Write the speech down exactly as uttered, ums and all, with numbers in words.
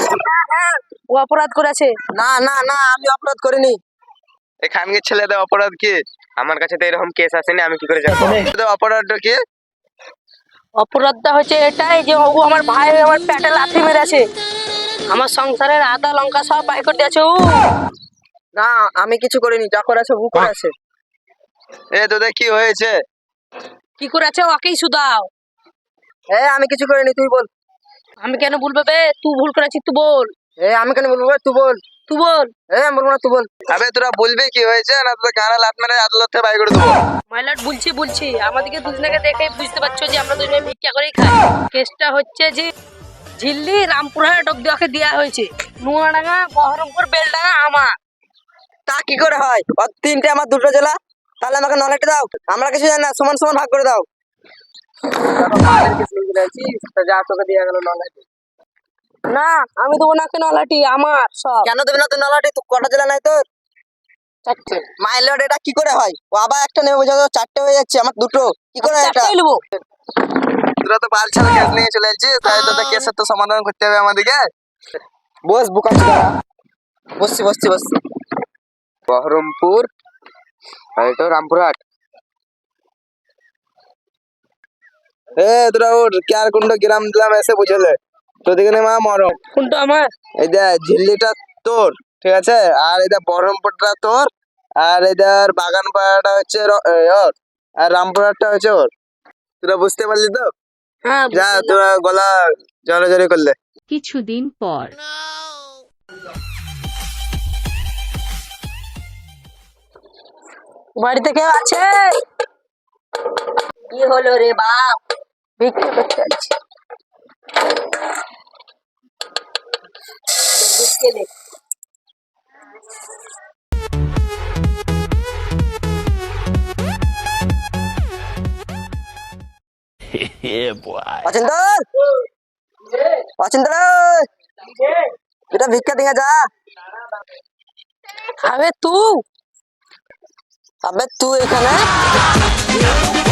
ও অপরাধ করেছে। না না না আমি অপরাধ করিনি। এখানকার ছেলেদের অপরাধ কি? আমার কাছে তো এরকম কেস আসেনি, আমি কি করে জানবো অপরাধটা কি? অপরাধটা হচ্ছে এটাই যে ও আমার ভাই আমার পেটে লাথি মেরেছে, আমার সংসারের আদা লঙ্কা সব বাই করে দিয়েছে ও। না আমি কিছু করিনি, যা করেছে ও করেছে। এ তোদের কি হয়েছে? কি করেছে ওকেই শুধাও। এ আমি কিছু করিনি, তুই বল। আমি কেন বলবো বে, তুই ভুল করেছিস তুই বল। এ আমি কেন বলবো, তুই বল। তুই বল। এ আমি বলবো না, তুই বল। আবে তোরা বলবি কি হয়েছে, না তোদের গানা লাত মেরে আদালত থেকে বাই করে দেবো। মাইলট বলছি বলছি আমাদেরকে দুজনকে দেখে বুঝতে পারছো যে আমরা দুজনে ভিক্ষা করেই খাই। কেসটা হচ্ছে যে ঝিল্লি রামপুরহাট অব্দি ওকে দেওয়া হয়েছে, নোয়াডাঙ্গা বহরমপুর বেলডাঙ্গা আমার। তা কি করে হয়? ওর তিনটে আমার দুটো জেলা, তাহলে আমাকে নলেজটা দাও। আমরা কিছু জানি না, সমান সমান ভাগ করে দাও। যা তোকে দিয়ে গেল নলেজ। না আমি দেবো না, কেন লাঠি আমার সব। কেন দেবে না তুই নলাটি? তুই কটা জেলা নাই তোর? চারটে। মাইলট এটা কি করে হয়? ও আবার একটা নেবে বোঝা, চারটে হয়ে যাচ্ছে, আমার দুটো। কি করে এটা? চারটেই নেবো। তোরা তো বাল ছাড়া কেস নিয়ে চলে যাচ্ছিস, তাই তোদের কেসের তো সমাধান করতে হবে আমাদেরকে। বস বুকা বসছি বসছি বসছি। বহরমপুর তো রামপুরহাট। এ তোরা ওর কেয়ার কুন্ড গ্রাম দিলাম এসে বুঝলে তো দিকে মা মরম। কোনটা আমার? এই দেখ ঝিল্লিটা তোর, ঠিক আছে, আর এই দেখ বহরমপুরটা তোর, আর এদের বাগান পাড়াটা হচ্ছে র- এ, ওর, আর রামপুরহাটটা হচ্ছে ওর। তোরা বুঝতে পারলি তো? হ্যাঁ যা তোরা গলা জড়াজড়ি করলে। কিছুদিন পর বাড়িতে কেউ আছে? কি হলো রে বাপ? ভিক্ষা করতে আছি। ভিক্ষে দে। অচিন্তর অচিন্তর এটা ভিক্ষা দিয়ে যা। আবে তুই আবে তুই এখানে